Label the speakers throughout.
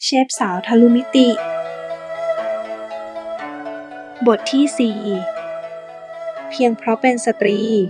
Speaker 1: เชฟสาวทะลุมิติ บทที่ 4 เพียงเพราะเป็นสตรี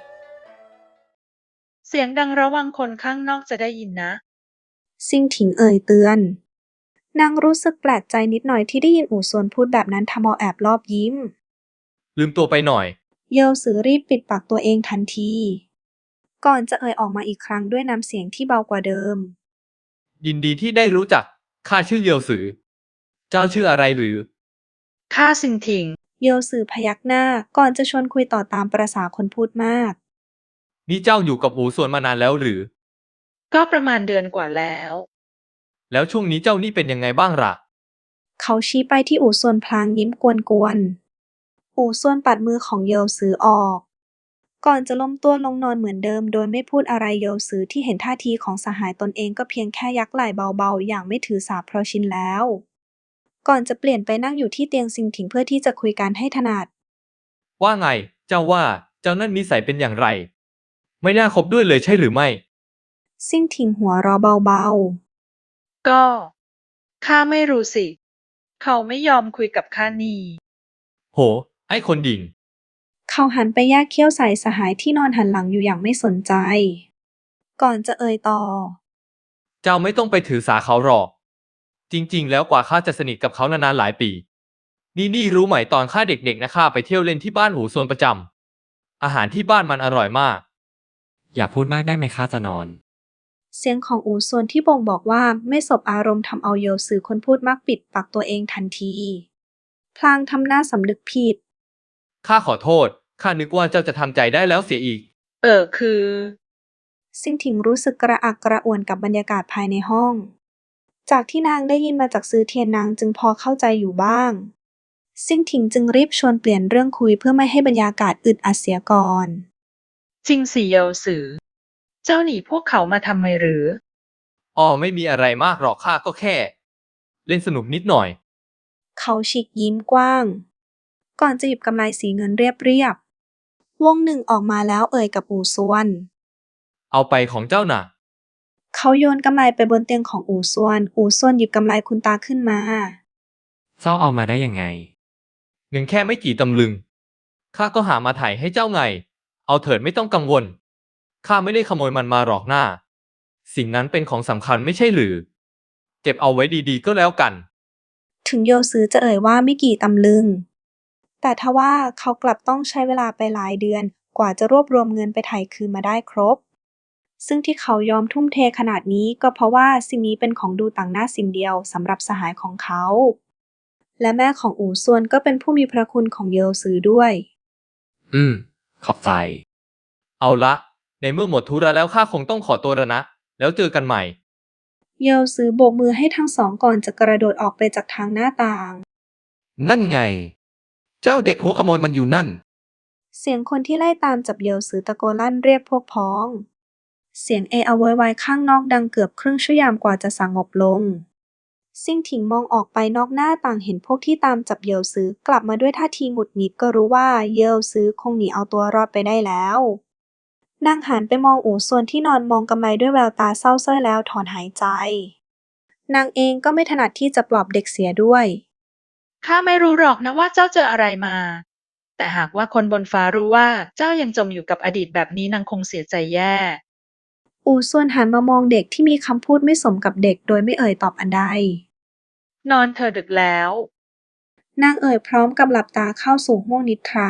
Speaker 2: เสียงดังระวังคนข้างนอกจะได้ยินนะ
Speaker 1: ซิ่งถิงเอ่ยเตือน นางรู้สึกแปลกใจนิดหน่อยที่ได้ยินอู่ซวนพูดแบบนั้นทำเอาแอบลอบยิ้ม
Speaker 3: ลืมตัวไปหน่อย
Speaker 1: เยลซือรีบปิดปากตัวเองทันที ก่อนจะเอ่ยออกมาอีกครั้งด้วยน้ำเสียงที่เบากว่าเดิม
Speaker 3: ยินดีที่ได้รู้จัก ข้าชื่อเยียวซือ เจ้าชื่ออะไรหรือ
Speaker 2: ข้าซิงถิง
Speaker 1: เยลซือพยักหน้าก่อนจะชวนคุยต่อตามประสาคนพูดมาก
Speaker 3: นี่เจ้าอยู่กับอูส่วนมานานแล้วหรือ
Speaker 2: ก็ประมาณเดือนกว่าแล้ว
Speaker 3: แล้วช่วงนี้เจ้านี่เป็นยังไงบ้างล่ะ
Speaker 1: เขาชี้ไปที่อู่ซวนพลางยิ้มกวนๆ อู่ซวนปัดมือของเยลซือออก ก่อนจะล้มตัวลงนอนเหมือนเดิมโดยไม่พูดอะไรเยลซือที่เห็นท่าทีของสหายตนเองก็เพียงแค่ยักไหล่เบาๆอย่างไม่ถือสาเพราะชินแล้ว ก่อนจะเปลี่ยนไปนั่งอยู่ที่เตียงซิงถิงเพื่อที่จะคุยกันให้ถนัด
Speaker 3: ว่าไง เจ้าว่า เจ้านั่นนิสัยเป็นอย่างไร ไม่น่าคบด้วยเลยใช่หรือไม่
Speaker 1: ซิ่งถิงหัวเราะเบา
Speaker 2: ก็ข้าไม่รู้สิ เขาไม่ยอมคุยกับข้านี่
Speaker 3: โห ไอ้คนดิ่ง
Speaker 1: ๆ เขาหันไปแยกเขี้ยวใส่สหายที่นอนหันหลังอยู่อย่างไม่สนใจ ก่อนจะเอ่ยต่อ
Speaker 3: เจ้าไม่ต้องไปถือสาเขาหรอก จริงๆ แล้วกว่าข้าจะสนิทกับเขานานๆหลายปี นี่รู้ไหมตอนข้าเด็กๆนะข้าไปเที่ยวเล่นที่บ้านหูส่วนประจำ อาหารที่บ้านมันอร่อยมาก
Speaker 4: อย่าพูดมากได้ไหมข้าจะนอน
Speaker 1: เสียงของอู่ซวนที่บ่งบอกว่าไม่สบอารมณ์ทำเอาเยลซือคนพูดมักปิดปากตัวเองทันที พลางทำหน้าสำนึกผิด
Speaker 3: ข้าขอโทษ ข้านึกว่าเจ้าจะทำใจได้แล้วเสียอีก
Speaker 2: คือ
Speaker 1: ซิ่งถิงรู้สึกกระอักกระอ่วนกับบรรยากาศภายในห้อง จากที่นางได้ยินมาจากซือเทียนนางจึงพอเข้าใจอยู่บ้าง ซิ่งถิงจึงรีบชวนเปลี่ยนเรื่องคุยเพื่อไม่ให้บรรยากาศอึดอัดเสียก่อน
Speaker 2: จริงสิเยลสือ เจ้าหนีพวกเขามาทำไมหรือ
Speaker 3: ไม่มีอะไรมากหรอกข้าก็แค่ เล่นสนุกนิดหน่อย
Speaker 1: เขาฉีกยิ้มกว้าง ก่อนจะหยิบกำไลสีเงินเรียบๆวงหนึ่งออกมาแล้วเอ่ยกับอู่ซวน
Speaker 3: เอาไปของเจ้าน่ะ
Speaker 1: เขาโยนกำไลไปบนเตียงของอู่ซวน อู่ซวนหยิบกำไลคุณตาขึ้นมา
Speaker 4: เจ้าเอามาได้ยังไง
Speaker 3: เงินแค่ไม่กี่ตำลึง ข้าก็หามาไถ่ให้เจ้าไง เอาเถิดไม่ต้องกังวล ข้าไม่ได้ขโมยมันมาหรอกหน้า สิ่งนั้นเป็นของสำคัญไม่ใช่หรือ เก็บเอาไว้ดีๆก็แล้วกัน
Speaker 1: ถึงโยซือจะเอ่ยว่าไม่กี่ตำลึง แต่ทว่าเขากลับต้องใช้เวลาไปหลายเดือนกว่าจะรวบรวมเงินไปไถ่คืนมาได้ครบ ซึ่งที่เขายอมทุ่มเทขนาดนี้ก็เพราะว่าสิ่งนี้เป็นของดูต่างหน้าสิ่งเดียวสำหรับสหายของเขา และแม่ของอู่ซวนก็เป็นผู้มีพระคุณของเยลซือด้วย
Speaker 4: ขอบใจ
Speaker 3: เอาละ ในเมื่อหมดธุระแล้วข้าคงต้องขอตัวแล้วนะ แล้วเจอกันใหม่
Speaker 1: เยลซือโบกมือให้ทั้งสองก่อนจะกระโดดออกไปจากทางหน้าต่าง
Speaker 5: นั่นไง เจ้าเด็กหัวขโมยมันอยู่นั่น
Speaker 1: เสียงคนที่ไล่ตามจับเยลซือตะโกนลั่นเรียกพวกพ้อง เสียงเออะโวยวายข้างนอกดังเกือบครึ่งชั่วโมงกว่าจะสงบลง ซิ่งถิงมองออกไปนอกหน้าต่างเห็นพวกที่ตามจับเยลซือกลับมาด้วยท่าทีหงุดหงิดก็รู้ว่าเยลซือคงหนีเอาตัวรอดไปได้แล้ว นางหันไปมองอู่ซวนที่นอนมองกำไลด้วยแววตาเศร้าส้อยแล้วถอนหายใจ นางเองก็ไม่ถนัดที่จะปลอบเด็กเสียด้วย
Speaker 2: ข้าไม่รู้หรอกนะว่าเจ้าเจออะไรมา แต่หากว่าคนบนฟ้ารู้ว่าเจ้ายังจมอยู่กับอดีตแบบนี้นางคงเสียใจแย่
Speaker 1: อู่ซวนหันมามองเด็กที่มีคำพูดไม่สมกับเด็กโดยไม่เอ่ยตอบอันใด
Speaker 2: นอนเธอะดึกแล้ว
Speaker 1: นางเอ่ยพร้อมกับหลับตาเข้าสู่ห้วงนิทรา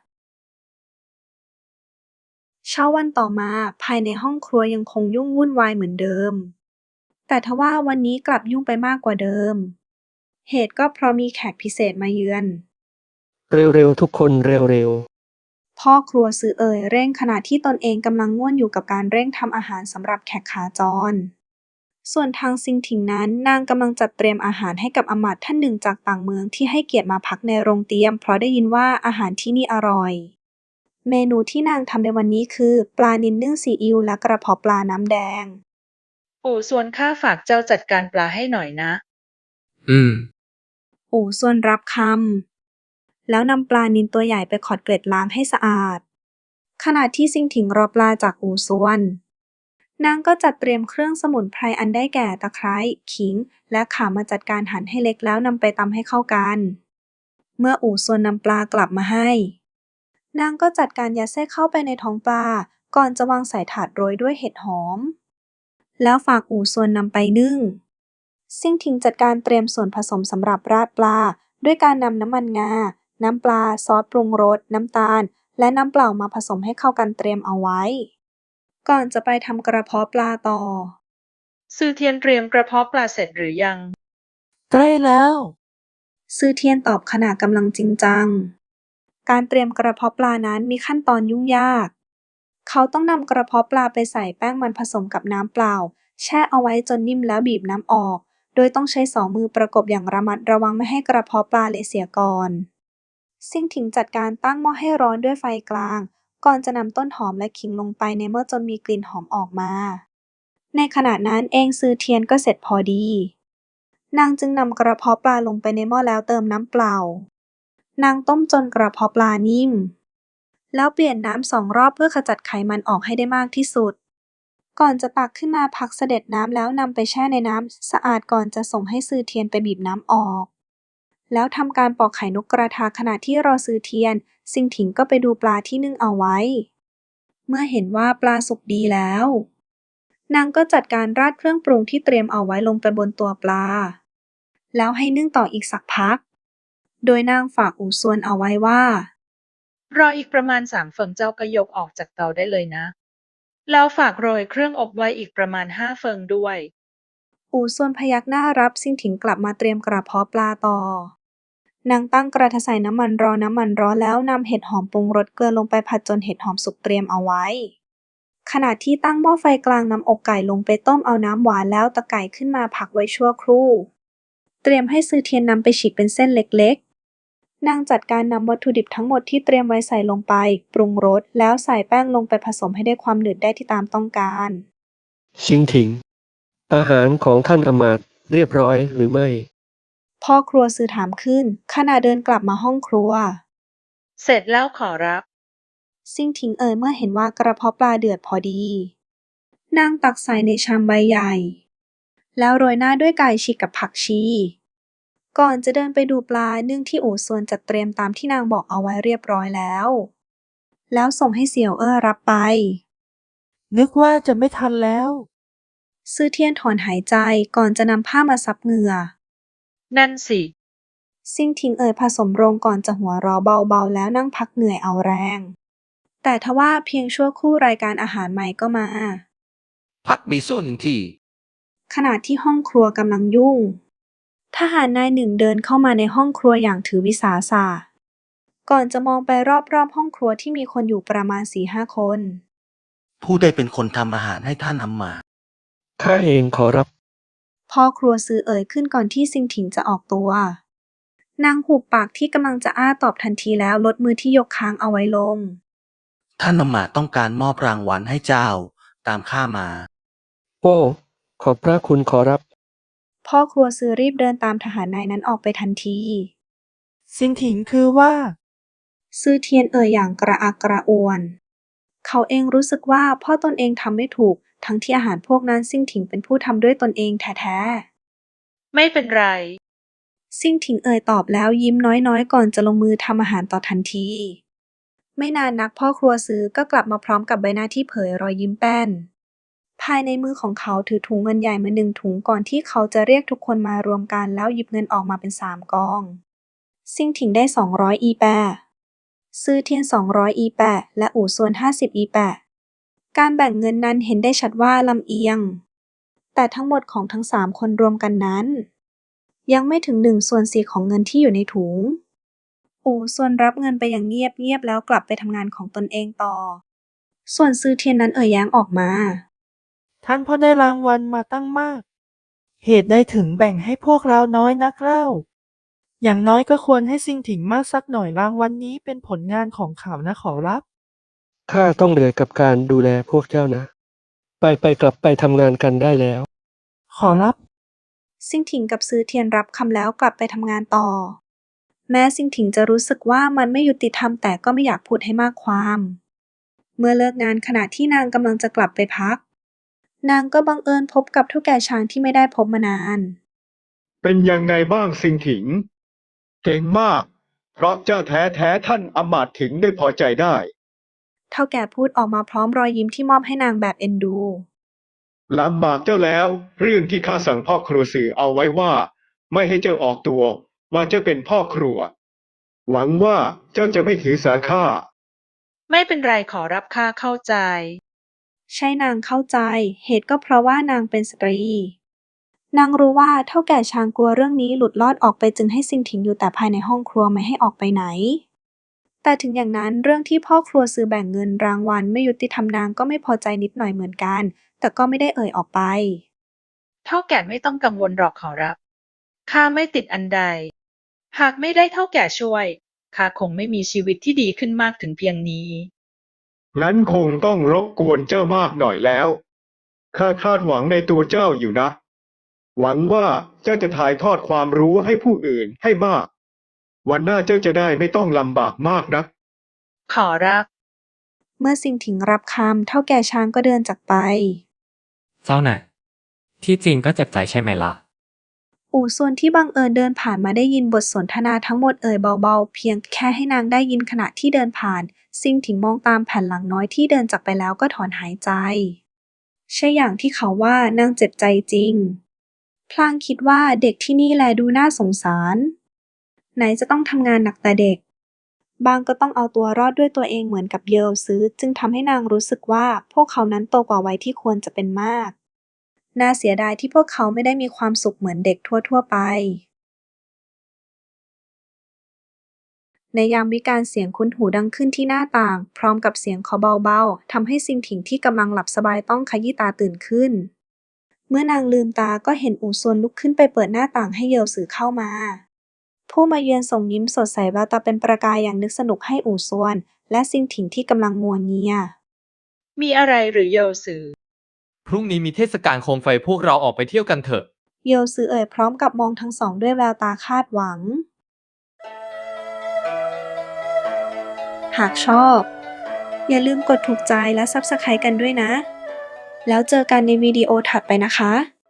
Speaker 1: เช้าวันต่อมาภายในห้องครัวยังคงยุ่งวุ่นวายเหมือนเดิม แต่ทว่าวันนี้กลับยุ่งไปมากกว่าเดิม เหตุก็เพราะมีแขกพิเศษมาเยือน
Speaker 5: เร็วๆทุกคนเร็ว
Speaker 1: พ่อครัวซือเอ่ยเร่งขณะที่ตนเองกำลังง่วนอยู่กับการเร่งทำอาหารสำหรับแขกขาจร ส่วนทางซิงถิงนั้นนางกำลังจัดเตรียมอาหารให้กับอมาตย์ท่านหนึ่งจากต่างเมืองที่ให้เกียรติมาพักในโรงเตรียมเพราะได้ยินว่าอาหารที่นี่อร่อย เมนูที่นางทำในวันนี้คือปลานิลนึ่งซีอิ๊วและกระเพาะปลาน้ำแดง
Speaker 2: ปู่ส่วนข้าฝากเจ้าจัดการปลาให้หน่อยนะ
Speaker 1: อู่ซวนรับคำ แล้วนำปลานิลตัวใหญ่ไปขอดเกล็ดล้างให้สะอาด ขณะที่ซิงถิงรอปลาจากอู่ซวนนางก็จัดเตรียมเครื่องสมุนไพรอันได้แก่ตะไคร้ขิงและข่ามาจัดการหั่นให้เล็กแล้วนำไปตำให้เข้ากันเมื่ออู่ซวนนำปลากลับมาให้นางก็จัดการยัดไส้เข้าไปในท้องปลาก่อนจะวางใส่ถาดโรยด้วยเห็ดหอมแล้วฝากอู่ซวนนำไปนึ่งซิ่งทิงจัดการเตรียมส่วนผสมสำหรับราดปลาด้วยการนำน้ำมันงาน้ำปลาซอสปรุงรสน้ำตาลและน้ำเปล่ามาผสมให้เข้ากันเตรียมเอาไว้ก่อนจะไปทำกระเพาะปลาต่อ
Speaker 2: ซือเทียนเตรียมกระเพาะปลาเสร็จหรือยัง
Speaker 5: ใกล้แล้ว
Speaker 1: ซือเทียนตอบขณะกำลังจริงจังการเตรียมกระเพาะปลานั้นมีขั้นตอนยุ่งยากเขาต้องนำกระเพาะปลาไปใส่แป้งมันผสมกับน้ำเปล่าแช่เอาไว้จนนิ่มแล้วบีบน้ำออกโดยต้องใช้2 มือประกบอย่างระมัดระวังไม่ให้กระเพาะปลาเละเสียก่อนซิ่งถิงจัดการตั้งหม้อให้ร้อนด้วยไฟกลางก่อนจะนำต้นหอมและขิงลงไปในหม้อจนมีกลิ่นหอมออกมาในขณะนั้นเองซือเทียนก็เสร็จพอดีนางจึงนำกระเพาะปลาลงไปในหม้อแล้วเติมน้ำเปล่านางต้มจนกระเพาะปลานิ่มแล้วเปลี่ยนน้ำ2 รอบเพื่อขจัดไขมันออกให้ได้มากที่สุดก่อนจะตักขึ้นมาพักเสด็จน้ำแล้วนำไปแช่ในน้ำสะอาดก่อนจะส่งให้ซือเทียนไปบีบน้ำออกแล้วทำการปอกไข่นกกระทาขณะที่รอซือเทียนซิงถิงก็ไปดูปลาที่นึ่งเอาไว้เมื่อเห็นว่าปลาสุกดีแล้วนางก็จัดการราดเครื่องปรุงที่เตรียมเอาไว้ลงไปบนตัวปลาแล้วให้นึ่งต่ออีกสักพักโดยนางฝากอู่ซวนเอาไว้ว่าร
Speaker 2: ออีกประมาณ3 เฟิงเจ้าก็ยกออกจากเตาได้เลยนะ แล้วฝากโรยเครื่องอบไว้อีกประมาณ5 เฟิงด้วย
Speaker 1: อู่ซวนพยักหน้ารับซิงถิงกลับมาเตรียมกระเพาะปลาต่อนางตั้งกระทะใส่น้ำมันร้อนแล้วนำเห็ดหอมปรุงรสเกลือลงไปผัดจนเห็ดหอมสุกเตรียมเอาไว้ขณะที่ตั้งหม้อไฟกลางนำอกไก่ลงไปต้มเอาน้ำหวานแล้วตะไก่ขึ้นมาพักไว้ชั่วครู่เตรียมให้ซือเทียนนำไปฉีกเป็นเส้นเล็กๆนางจัดการนำวัตถุดิบทั้งหมดที่เตรียมไว้ใส่ลงไปปรุงรสแล้วใส่แป้งลงไปผสมให้ได้ความหนืดได้ที่ตามต้องการ
Speaker 6: ชิงถิง อาหารของท่านอำมาตย์เรียบร้อยหรือไม่
Speaker 1: พ่อครัวซือถามขึ้นขณะเดินกลับมาห้องครัว
Speaker 2: เสร็จแล้วขอรับ
Speaker 1: ซิ่งถิงเมื่อเห็นว่ากระเพาะปลาเดือดพอดีนางตักใส่ในชามใบใหญ่แล้วโรยหน้าด้วยไก่ฉีกกับผักชีก่อนจะเดินไปดูปลานึ่งที่อู่ซวนจัดเตรียมตามที่นางบอกเอาไว้เรียบร้อยแล้วส่งให้เสี่ยวรับไป
Speaker 5: นึกว่าจะไม่ทันแล้ว
Speaker 1: ซือเทียนถอนหายใจก่อนจะนำผ้ามาซับเหงื่อ
Speaker 2: นั่นสิ
Speaker 1: ซิ่งถิงผสมโรงก่อนจะหัวเราะเบาๆแล้วนั่งพักเหนื่อยเอาแรงแต่ทว่าเพียงชั่วครู่รายการอาหารใหม่ก็มา
Speaker 5: พักมีส่วนที่
Speaker 1: ขณะที่ห้องครัวกำลังยุ่งทหารนายหนึ่งเดินเข้ามาในห้องครัวอย่างถือวิสาสะก่อนจะมองไปรอบๆห้องครัวที่มีคนอยู่ประมาณ 4-5 คน
Speaker 7: ผู้ได้เป็นคนทำอาหารให้ท่านอำมาตย์
Speaker 6: ข้าเองขอรับ
Speaker 1: พ่อครัวซือขึ้นก่อนที่ซิงถิงจะออกตัวนางหุบปากที่กำลังจะอ้าตอบทันทีแล้วลดมือที่ยกค้างเอาไว้ลง
Speaker 7: ท่านอำมาตย์ต้องการมอบรางวัลให้เจ้าตามข้ามา
Speaker 6: โอ้ ขอบพระคุณขอรับ
Speaker 1: พ่อครัวซือรีบเดินตามทหารนายนั้นออกไปทันที
Speaker 5: ซินถิงคือว่า
Speaker 1: ซือเทียนอย่างกระอักกระอ่วน เขาเองรู้สึกว่าพ่อตนเองทำไม่ถูกทั้งที่อาหารพวกนั้นซิ่งถิงเป็นผู้ทำด้วยตนเองแท้ๆ
Speaker 2: ไม่เป็นไร
Speaker 1: ซิ่งถิงตอบแล้วยิ้มน้อยๆก่อนจะลงมือทำอาหารต่อทันที ไม่นานนักพ่อครัวซือก็กลับมาพร้อมกับใบหน้าที่เผยรอยยิ้มแป้น ภายในมือของเขาถือถุงเงินใหญ่มา1 ถุงก่อนที่เขาจะเรียกทุกคนมารวมกันแล้วหยิบเงินออกมาเป็น3 กอง ซิ่งถิงได้200 อีแปะซือเทียน200 อีแปะและอู่ซวน50 อีแปะการแบ่งเงินนั้นเห็นได้ชัดว่าลำเอียง แต่ทั้งหมดของทั้ง3 คนรวมกันนั้นยังไม่ถึง1/4ของเงินที่อยู่ในถุงอู่ซวนรับเงินไปอย่างเงียบๆแล้วกลับไปทำงานของตนเองต่อส่วนซือเทียนนั้นแย้งออกมา
Speaker 5: ท่านพ่อได้รางวัลมาตั้งมาก เหตุใดถึงแบ่งให้พวกเราน้อยนักเล่า อย่างน้อยก็ควรให้ซิงถิงมากสักหน่อยรางวัลนี้เป็นผลงานของเขานะขอรับ
Speaker 6: ข้าต้องเหนื่อยกับการดูแลพวกเจ้านะ ไปกลับไปทำงานกันได้แล้ว
Speaker 5: ขอรับ
Speaker 1: ซิงถิงกับซือเทียนรับคำแล้วกลับไปทำงานต่อ แม้ซิงถิงจะรู้สึกว่ามันไม่ยุติธรรมแต่ก็ไม่อยากพูดให้มากความ เมื่อเลิกงานขณะที่นางกำลังจะกลับไปพักนางก็บังเอิญพบกับเฒ่าแก่ช้างที่ไม่ได้พบมานาน
Speaker 8: เป็นยังไงบ้างซิงถิง เก่งมาก เพราะเจ้าแท้ท่านอำมาตย์ถึงได้พอใจได้
Speaker 1: เฒ่าแก่พูดออกมาพร้อมรอยยิ้มที่มอบให้นางแบบเอ็นดู
Speaker 8: ลำบากเจ้าแล้ว เรื่องที่ข้าสั่งพ่อครัวสื่อเอาไว้ว่า ไม่ให้เจ้าออกตัวว่าเจ้าเป็นพ่อครัว หวังว่าเจ้าจะไม่ถือสาข้า
Speaker 2: ไม่เป็นไรขอรับข้าเข้าใจ
Speaker 1: ใช่นางเข้าใจ เหตุก็เพราะว่านางเป็นสตรี นางรู้ว่าเฒ่าแก่ช้างกลัวเรื่องนี้หลุดลอดออกไปจึงให้ซิงถิงอยู่แต่ภายในห้องครัวไม่ให้ออกไปไหน แต่ถึงอย่างนั้นเรื่องที่พ่อครัวซื้อแบ่งเงินรางวัลไม่ยุติธรรมนางก็ไม่พอใจนิดหน่อยเหมือนกัน แต่ก็ไม่ได้เอ่ยออกไป
Speaker 2: เท่าแก่ไม่ต้องกังวลหรอกขอรับ ข้าไม่ติดอันใด หากไม่ได้เท่าแก่ช่วย ข้าคงไม่มีชีวิตที่ดีขึ้นมากถึงเพียงนี้
Speaker 8: งั้นคงต้องรบกวนเจ้ามากหน่อยแล้ว ข้าคาดหวังในตัวเจ้าอยู่นะ หวังว่าเจ้าจะถ่ายทอดความรู้ให้ผู้อื่นให้มาก วันหน้าเจ้าจะได้ไม่ต้องลำบากมากนัก
Speaker 2: ขอรับ
Speaker 1: เมื่อซิงถิงรับคำเฒ่าแก่ช้างก็เดินจากไป
Speaker 4: เจ้าน่ะ ที่จริงก็เจ็บใจใช่ไหมล่ะ
Speaker 1: อู่ซวนที่บังเอิญเดินผ่านมาได้ยินบทสนทนาทั้งหมดเอ่ยเบาๆเพียงแค่ให้นางได้ยินขณะที่เดินผ่านซิงถิงมองตามแผ่นหลังน้อยที่เดินจากไปแล้วก็ถอนหายใจ ใช่อย่างที่เขาว่านางเจ็บใจจริง พลางคิดว่าเด็กที่นี่แลดูน่าสงสาร ไหนจะต้องทำงานหนักแต่เด็ก บางก็ต้องเอาตัวรอดด้วยตัวเองเหมือนกับเยลซื้อจึงทำให้นางรู้สึกว่าพวกเขานั้นโตกว่าวัยที่ควรจะเป็นมาก น่าเสียดายที่พวกเขาไม่ได้มีความสุขเหมือนเด็กทั่วๆไป ในยามวิกาลเสียงคุ้นหูดังขึ้นที่หน้าต่าง พร้อมกับเสียงเคาะเบาๆทำให้ซิงถิงที่กำลังหลับสบายต้องขยี้ตาตื่นขึ้น เมื่อนางลืมตาก็เห็นอู่ซวนลุกขึ้นไปเปิดหน้าต่างให้เยลสือเข้ามา ผู้มาเยือนส่งยิ้มสดใสแววตาเป็นประกายอย่างนึกสนุกให้อู่ซวน และซิงถิงที่กำลังงัวเงีย
Speaker 2: มีอะไรหรือโยซือ
Speaker 3: พรุ่งนี้มีเทศกาลโคมไฟพวกเราออกไปเที่ยวกันเถอะ
Speaker 1: เยลซือเอ่ยพร้อมกับมองทั้งสองด้วยแววตาคาดหวัง หากชอบ อย่าลืมกดถูกใจและ Subscribe กันด้วยนะ แล้วเจอกันในวิดีโอถัดไปนะคะ